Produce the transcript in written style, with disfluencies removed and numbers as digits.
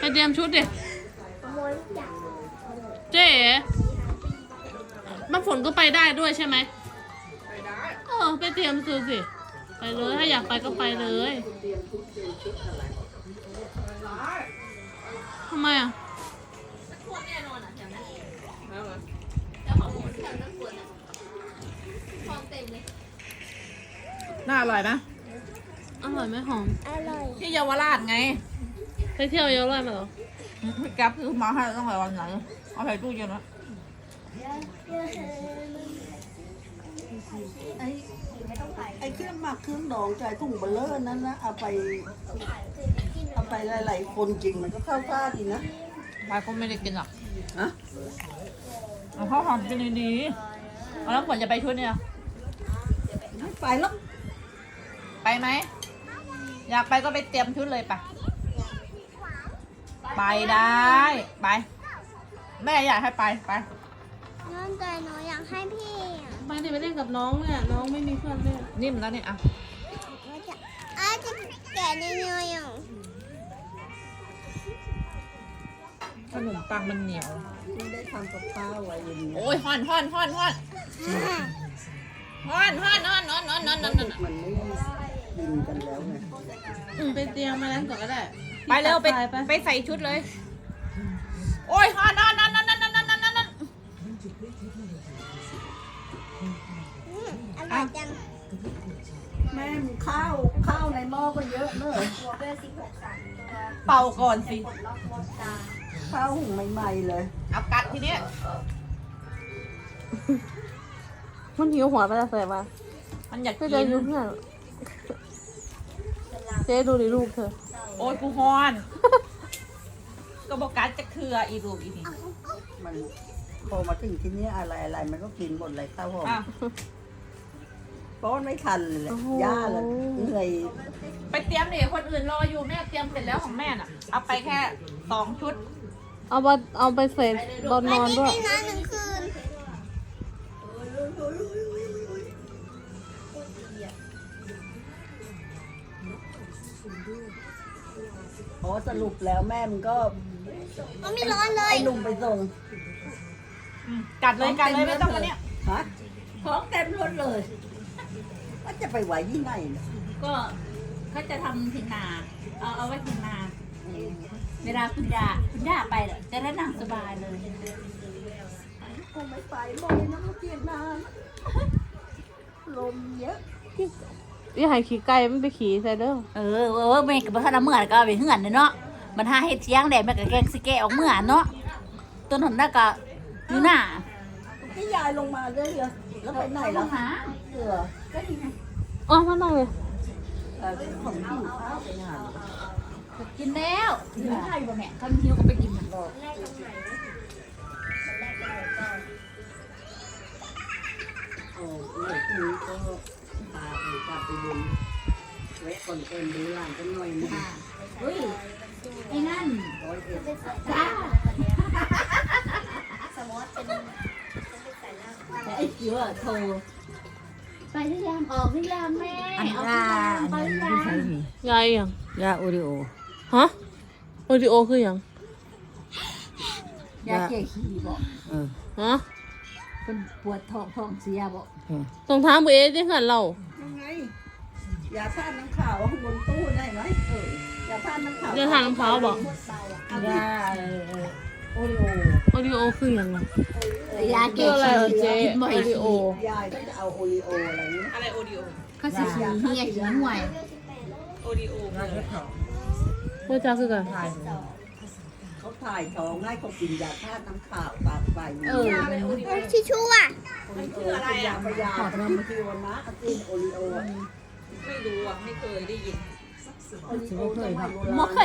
เตรียมชุดดิเจ๊น้ำฝนก็ไปได้ด้วยใช่ไหมไปได้ไปเตรียมซื้อสิไปเลยถ้าอยากไปก็ไปเลยทำไมอ่ะน่าอร่อยไหมอร่อยไหมหอมอร่อยที่เยาวราชไงไปเที่ยวเยอะเลยมาเหรอพี่แก๊ปซื้อมาให้ตั้งแต่วันไหนเอาใส่ตู้เย็นไว้ไอ้เครื่องหมักเครื่องดองใจถุงเบลเลอร์นั้นนะเอาไปหลายๆคนกินมันก็เข้าท่าดีนะไปก็ไม่ได้กินหรอกฮะเอาข้าวหอมกินดีๆเอาแล้วฝนจะไปชุดเนี่ยไม่ไปหรอกไปไหมอยากไปก็ไปเตรียมชุดเลยไปไปได้ไปแม่อยากให้ไปไปน้องแต่หนูอยากให้พี่อ่ะไปดิไปเล่นกับน้องเนี่ยน้องไม่มีเพื่อนเล่นนิ่มแล้วเนี่ยอ่ะจะแกะเนื้ออย่างขนมปังมันเหนียวไม่ได้ทำกับข้าวไว้อย่างนี้โอ้ยฮ้อนฮ้อนฮ้อนฮ้อนฮ้อนฮ้อนฮ้อนฮ้อนฮ้อนฮ้อนฮ้อนฮ้อนมันไม่กินกันแล้วไงไปเตรียมมาแล้วก่อนก็ได้ไปเร็วไปใส่ชุดเลย โอ้ยฮ้อนฮ้อนฮ้อนฮ้อนฮ้อนฮ้อนฮ้อนฮ้อนอร่อยจังแม่มข้าวในหม้อก็เยอะเนอะเป่าก่อนสิข้าวหุงใหม่ๆเลยเอากัดทีเนี้ยมันหิวหัวไปแล้วใส่มามันอยากเจ๊กินดูเพื่อนเจ๊ดูดิลูกเธอโอ้ยกูฮอน ก็บอกกัดจะเครืออีลูกอีนี่มันพอมาถึงที่นี้อะไรมันก็กินหมดเลยข้าวหอมอ่ะป้อนไม่ทันเลยย่าเลยเหนื่อยไปเตรียมดิคนอื่นรออยู่แม่เตรียมเสร็จแล้วของแม่น่ะ เอาไปแค่2 ชุดเอาไปเสร็จตอนนอนด้วยพี่นอนหนึ่งคืนพอสรุปแล้วแม่มันก็มันไม่ร้อนเลยไอ้ลุงไปส่งกัดเลยไม่ต้องกันเนี้ยฮะของเต็มรถเลยว่าจะไปไหวที่ไหนเนี่ยก็เขาจะทำทิ้งนา เอาไว้ทิ้งนา เวลาคุณย่าไปเหรอจะได้นั่งสบายเลยคงไม่ไปบ่อยนะเมื่อกี้นานลมเยอะนี่หายขี่ไก่ไม่ไปขี่ใส่เด้อแม่กับพ่อละเมื่อก็เอาไปเหือนเนาะมันหาเฮ็ดเที่ยงแดดแม่ก็แกงสิแกะออกเมื่อเนาะต้นหนน่ะก็อยู่หน้าพี่ยายลงมาเรื่อยๆแล้วไปไหนลแล้วงหาเสือก็ดีไงอ๋อมานั่งเลยของหิวข้าวไปหากินแล้วหิวข้าวอยู่บ่แม่เขาหิวก็ไปกินน่ะโอ้ยพรุ่งนี้ก็พาไปกลับไปบุญแวะก่อนเต็มดูหลานกันหน่อยนึงเฮ้ยไอ้นั่น 101 จ้าไอ้เกี่ยวโทรไปหรือยังออกหรือยังแม่ออกหรือยังไปหรือยังยายยังยาโอริโอฮะโอดิโอคือยังยาแก้ขี้บอกฮะเป็นปวดท้องเสียบอกตรงทางเบสที่หันเรายังไงยาท่าน้ำขาวข้างบนตู้ได้ไหมยาท่าน้ำขาวเดี๋ยวทานน้ำพร้าวบอกยาโอริโอโอดิโอคือยังไงยาคืแก้ออะไรขี้เหรอเจ๊กินบ่อยโอดิโอยายก็จะเอาโอริโออะไรนี้อะไรโอดิโอเขาสิขี้เหี้ยขี้ห่วยโอดิโอเมื่อจ้าคือกันเขาถ่ายท้องให้เขากินยาท่าน้ำขาวตามไปชิชูอ่ะโอริโอเป็นยาพยาธิที่วนะกินโอริโอไม่รู้อ่ะไม่เคยได้ยินโอริโอสมัยโบราณบ่เค